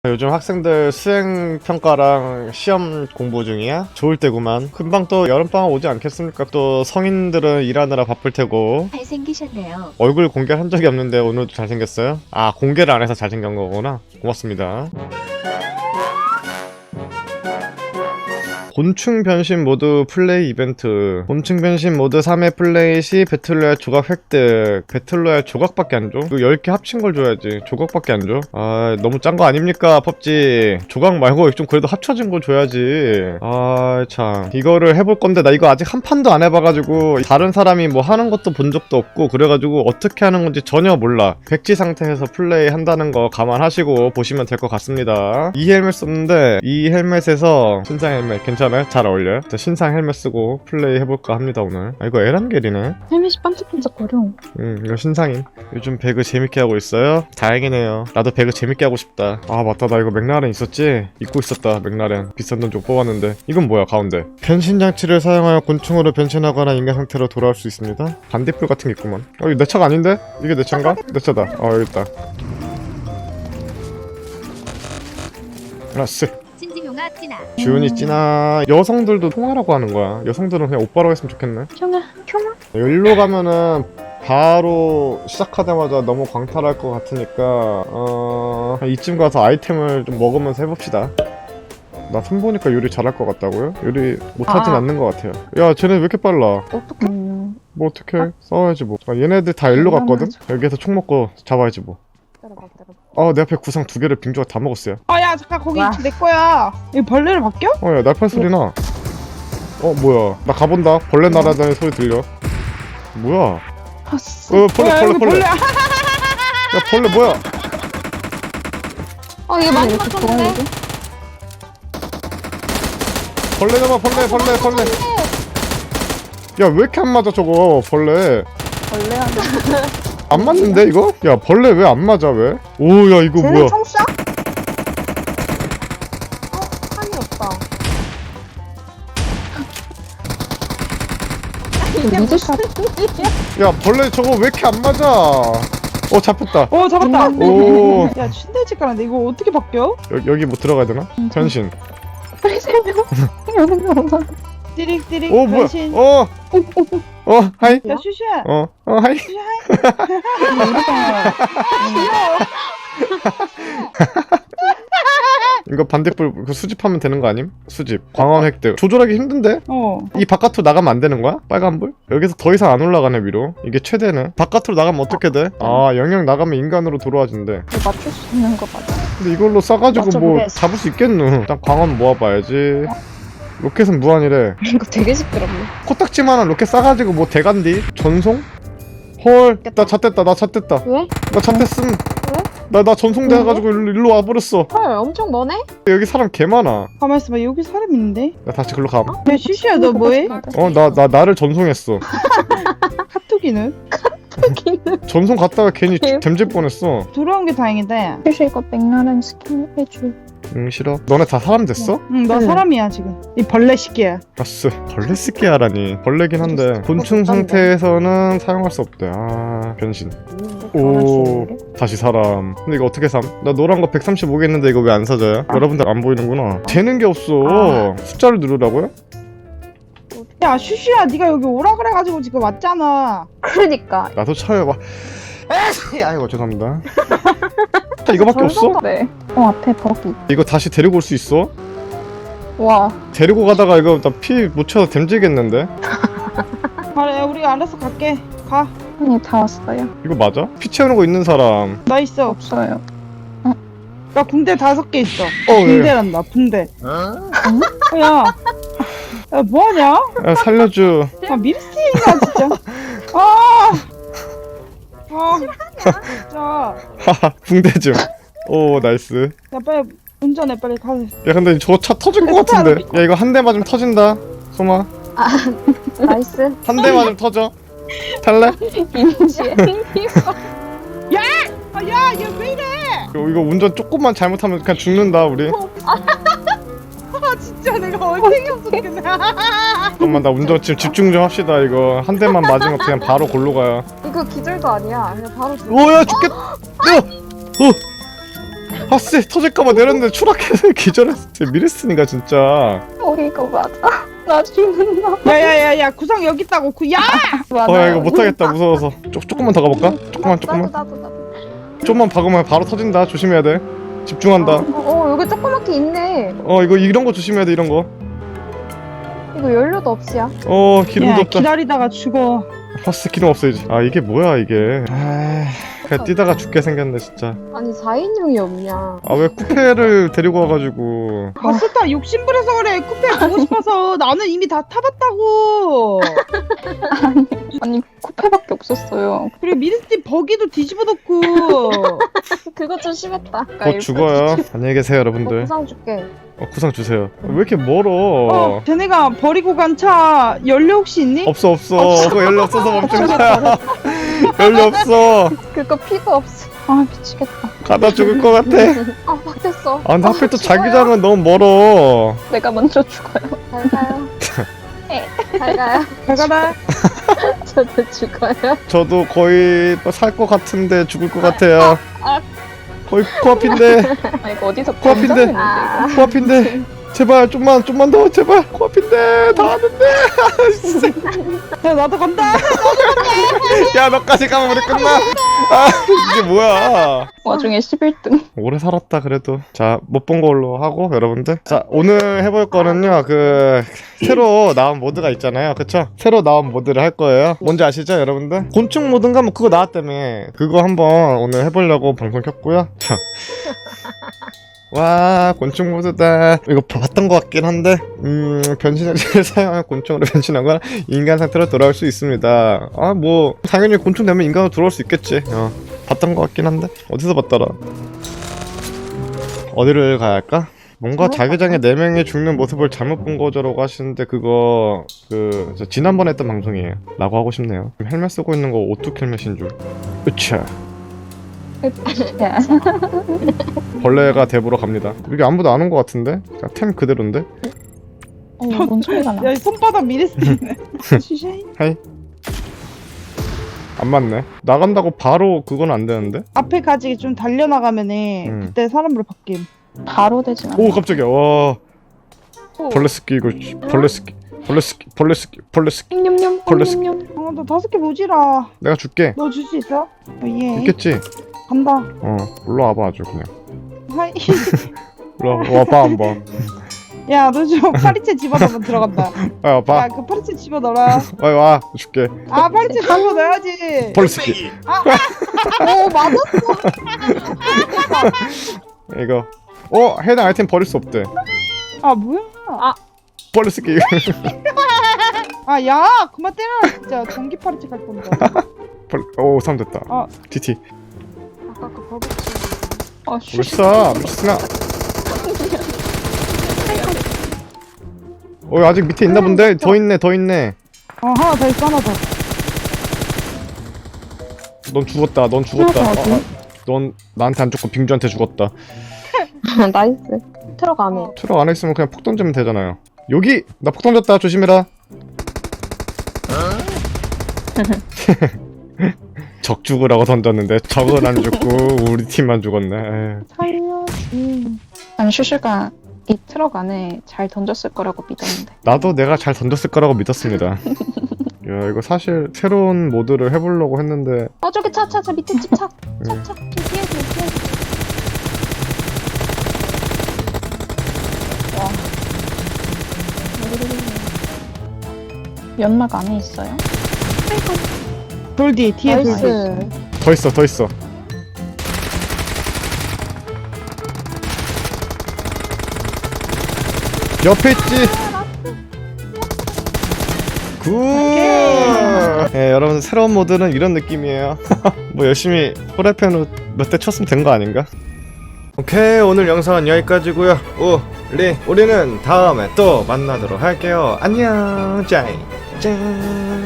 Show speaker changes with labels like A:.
A: 요즘 학생들 수행평가랑 시험 공부 중이야? 좋을 때구만. 금방 또 여름방학 오지 않겠습니까? 또 성인들은 일하느라 바쁠 테고.
B: 잘생기셨네요.
A: 얼굴 공개한 적이 없는데 오늘도 잘생겼어요? 아, 공개를 안 해서 잘생긴 거구나. 고맙습니다. 곤충 변신 모드 플레이 이벤트. 곤충 변신 모드 3회 플레이 시 배틀로얄 조각 획득. 배틀로얄 조각밖에 안 줘? 이거 10개 합친 걸 줘야지. 조각밖에 안 줘? 아, 너무 짠 거 아닙니까, 펍지? 조각 말고 좀 그래도 합쳐진 거 줘야지. 아, 참. 이거를 해볼 건데 나 이거 아직 한 판도 안 해봐가지고 다른 사람이 뭐 하는 것도 본 적도 없고 그래가지고 어떻게 하는 건지 전혀 몰라. 백지 상태에서 플레이 한다는 거 감안하시고 보시면 될 것 같습니다. 이 헬멧 썼는데 이 헬멧에서 신상 헬멧 괜찮아요? 잘 어울려요? 저 신상 헬멧 쓰고 플레이 해볼까 합니다 오늘. 아, 이거 에란겔이네.
B: 헬멧이 반짝반짝거려.
A: 이거 신상임. 요즘 배그 재밌게 하고 있어요? 다행이네요. 나도 배그 재밌게 하고 싶다. 아, 맞다. 나 이거 맥라렌 있었지? 입고 있었다. 맥라렌 비싼 돈 좀 뽑았는데. 이건 뭐야 가운데. 변신 장치를 사용하여 곤충으로 변신하거나 인간 상태로 돌아올 수 있습니다. 반딧불 같은 게 있구만. 이거 내 차가 아닌데? 이게 내 차인가? 내 차다. 여기 있다. 알았어.
B: 신지용아 찐아.
A: 주은이 찐아. 여성들도 통화라고 하는 거야. 여성들은 그냥 오빠라고 했으면 좋겠네.
B: 총아, 총아.
A: 여기로 가면은 바로 시작하자마자 너무 광탈할 것 같으니까 이쯤 가서 아이템을 좀 먹으면서 해봅시다. 나 손 보니까 요리 잘할 것 같다고요? 요리 못하진 않는 것 같아요. 야, 쟤네 왜 이렇게 빨라?
B: 어떡해?
A: 뭐 어떡해. 싸워야지 뭐. 얘네들 다 일로 갔거든? 여기에서 총 먹고 잡아야지 뭐. 내 앞에 구상 2개를 빙조가 다 먹었어요.
C: 야 잠깐 거기 내 거야. 이 벌레를 바뀌어?
A: 야, 날팔 소리 나. 뭐야. 나 가본다. 벌레 날아다니는 소리 들려. 뭐야. 벌레. 야, 벌레 뭐야.
B: 얘 많이 맞췄는데?
A: 벌레 잡아, 벌레. 야, 왜 이렇게 안 맞아, 저거, 벌레. 안 맞는데, 이거? 야, 벌레 왜 안 맞아, 왜? 오, 야, 이거 뭐야.
B: 총 쏴? 한이 없다. 이게 무슨 일이야?
A: 야, 벌레 저거 왜 이렇게 안 맞아? 잡혔다.
C: 잡았다.
A: 오.
C: 야 춘대집 가는데 이거 어떻게 바뀌어?
A: 여기 뭐 들어가야 되나? 변신.
B: 빨리 설명.
C: 띠릭띠릭
A: 오, 뭐야.
C: 변신.
A: 하이.
C: 야 슈슈야.
A: 하이. 이거 반대불 수집하면 되는 거 아님? 수집. 광원 획득. 조절하기 힘든데? 이 바깥으로 나가면 안 되는 거야? 빨간불? 여기서 더 이상 안 올라가네 위로. 이게 최대네. 바깥으로 나가면 어떻게 돼? 영역 나가면 인간으로 돌아와진대.
B: 맞출 수 있는 거 맞아.
A: 근데 이걸로 싸가지고 뭐
B: 맞춰보겠어.
A: 잡을 수 있겠누? 일단 광원 모아봐야지. 로켓은 무한이래.
B: 이거 되게 시끄럽네.
A: 코딱지만한 로켓 싸가지고 뭐 대간디? 전송? 헐, 나 잣됐다.
B: 왜?
A: 나 잣됐음. 나 전송돼가지고 일로 와버렸어.
B: 헐, 엄청 머네?
A: 여기 사람 개 많아.
C: 가만 있어봐 여기 사람 있는데.
A: 나 다시 글로 감.
C: 야 슈슈야 너 뭐해?
A: 나를 전송했어.
C: 카톡이는?
A: 전송 갔다가 괜히 댐질 뻔했어.
C: 돌아온 게 다행이다.
B: 사실 이거 맥라렌 스킨 해줘.
A: 싫어. 너네 다 사람 됐어?
C: 너 사람이야 지금. 이 벌레 시끼야.
A: 아스. 벌레 쓰게 하라니. 벌레긴 한데 곤충 상태에서는 사용할 수 없대. 변신. 오, 다시 사람. 근데 이거 어떻게 삼? 나 노란 거 135개 있는데 이거 왜 안 사져요? 여러분들 안 보이는구나. 되는 게 없어. 숫자를 누르라고요?
C: 야 슈슈야 네가 여기 오라 그래가지고 지금 왔잖아.
B: 그러니까.
A: 나도 차요. 아이고 죄송합니다. 이거밖에 없어?
B: 네. 앞에 버기.
A: 이거 다시 데리고 올 수 있어?
B: 와.
A: 데리고 가다가 이거 나 피 못 채워서 댐지겠는데?
C: 그래 우리가 알아서 갈게. 가.
B: 아니, 다 왔어요.
A: 이거 맞아? 피 채우는 거 있는 사람.
C: 나 있어.
B: 없어요.
C: 나 붕대 5개 있어.
A: 예.
C: 붕대란다 붕대. 야 뭐하냐?
A: 야, 살려줘.
C: 밀스인가 진짜. 진짜.
A: 하하, 붕대 좀. 오, 나이스.
C: 야 빨리 운전해 빨리 가.
A: 야, 근데 저거 차 터질 것 같은데. 야, 이거 한 대 맞으면 터진다. 소마.
B: 나이스.
A: 한 대 맞으면 터져. 탈래?
B: 임시에.
C: 야 얘 왜 이래?
A: 이거 운전 조금만 잘못하면 그냥 죽는다, 우리.
C: 진짜 내가 얼탱이 없었겠네.
A: 잠깐만, 나 운전 지금 집중 좀 합시다, 이거. 한 대만 맞으면 그냥 바로 골로 가요.
B: 이거 기절도 아니야. 그냥 바로
A: 오, 야, 죽겠다. 야! 아쎄 터질까봐 내렸는데 추락해서 기절했어. 미레스니가 진짜.
B: 이거 맞아. 나 죽는다.
C: 야야야야 구상 여기 있다고 야!
B: 맞아.
A: 야 이거 못하겠다 무서워서. 조금만 더 가볼까? 조금만.
B: 나도.
A: 좀만 박으면 바로 터진다. 조심해야 돼. 집중한다.
B: 여기 조그맣게 있네.
A: 이거 이런 거 조심해야 돼. 이런 거.
B: 이거 연료도 없이야.
A: 기름도
C: 야
A: 없다.
C: 기다리다가 죽어.
A: 버스 기름 없어야지. 이게 뭐야 이게. 그냥 뛰다가 죽게 생겼네 진짜.
B: 아니 4인용이 없냐.
A: 왜 쿠페를 데리고 와가지고.
C: 바스타 욕심부려서 그래. 쿠페 보고 싶어서. 나는 이미 다 타봤다고.
B: 아니 쿠페밖에 없었어요.
C: 그리고 미르스티 버기도 뒤집어 놓고.
B: 그거 좀 심했다.
A: 곧 죽어요. 안녕히 계세요 여러분들.
B: 구상 줄게.
A: 구상 주세요. 왜 이렇게 멀어?
C: 쟤네가 버리고 간 차 연료 혹시 있니?
A: 없어. 그거 연료 없어서 멈춘 거야. 연료 없어.
B: 그거 피가 없어. 아 미치겠다.
A: 가다 죽을 것 같아.
B: 바뀌었어.
A: 근데 하필 또 자기장은 너무 멀어.
B: 내가 먼저 죽어요. 잘 가요. 잘 가요.
C: 잘 가라.
B: 저도 죽어요.
A: 저도 거의 살 것 같은데 죽을 것 같아요. 거의 코앞인데.
B: 이거 어디서
A: 코앞인데. 코앞인데. 제발 좀만 더 제발. 코앞인데 다 왔는데.
C: 야 나도 간다.
A: 야 너까지 가면 우리 끝나. 이게 뭐야.
B: 와중에 11등.
A: 오래 살았다 그래도. 자 못 본 걸로 하고 여러분들. 자 오늘 해볼 거는요 그 새로 나온 모드가 있잖아요. 그쵸? 새로 나온 모드를 할 거예요. 뭔지 아시죠 여러분들? 곤충 모드인가 뭐 그거 나왔다며. 그거 한번 오늘 해보려고 방송 켰고요. 와 곤충 모드다. 이거 봤던 것 같긴 한데 변신을 사용한 곤충으로 변신하거나 인간 상태로 돌아올 수 있습니다. 뭐 당연히 곤충 되면 인간으로 돌아올 수 있겠지. 봤던 것 같긴 한데 어디서 봤더라. 어디를 가야 할까? 뭔가 자기장에 4명이 죽는 모습을 잘못 본 거죠라고 하시는데 그거 저 지난번에 했던 방송이에요 라고 하고 싶네요. 헬멧 쓰고 있는 거 오뚝 헬멧인 줄. 으차. 벌레가 대보러 갑니다. 여기 아무도 안 온 것 같은데? 템 그대로인데?
B: 뭔 소리가 나.
C: 야 손바닥 미르스티네. 슈샤이.
A: 하이. 안 맞네. 나간다고 바로 그건 안 되는데?
C: 앞에 가지고 좀 달려나가면은 그때 사람으로 바뀜.
B: 바로 되진 않아.
A: 오 깜짝이야. 와 벌레 스키 이거 벌레 스키
B: 냠냠.
A: 벌레 스키.
B: 냠냠.
C: 너 5개 모지라.
A: 내가 줄게.
C: 너 줄 수 있어? 예.
A: 있겠지?
C: 간다.
A: 올라와봐 아주 그냥.
C: 하이.
A: 와봐 한번.
C: 야, 너 좀 파리채 집어넣으면 들어간다.
A: 와봐.
C: 야, 그 파리채 집어넣어라.
A: 와 줄게.
C: 파리채 집어넣어야지.
A: 벌레 스키.
B: 맞았어.
A: 이거. 해당 아이템 버릴 수 없대.
C: 뭐야?
A: 벌레 스키.
C: 야, 그만 때려라 진짜. 전기 파리채 갈 건다.
A: 사람 됐다. TT.
B: 아까 그 버벅치.
A: 왜 쏴? 미친아. 아직 밑에 있나 본데? 더 있네.
C: 하나 더 있어, 하나 더.
A: 넌 죽었다. 넌 나한테 안 죽고 빙주한테 죽었다.
B: 나이스. 트럭 안에.
A: 트럭 안에 있으면 그냥 폭 던지면 되잖아요. 여기! 나 폭 던졌다. 조심해라. 적 죽으라고 던졌는데 적은 안 죽고 우리 팀만 죽었네.
B: 살려지. 아니 슈슈가 이 트럭 안에 잘 던졌을 거라고 믿었는데.
A: 나도 내가 잘 던졌을 거라고 믿었습니다. 야 이거 사실 새로운 모드를 해보려고 했는데
B: 저기 차 밑에 집 차. 좀 피해줘. 와. 연막 안에 있어요?
C: 돌 뒤에 돌 뒤.
B: 나이스.
A: 더 있어. 옆에 있지. 굿. 네, 여러분 새로운 모드는 이런 느낌이에요. 뭐 열심히 후라이팬으로 몇 대 쳤으면 된 거 아닌가? 오케이 오늘 영상은 여기까지고요. 우리는 다음에 또 만나도록 할게요. 안녕. 짠.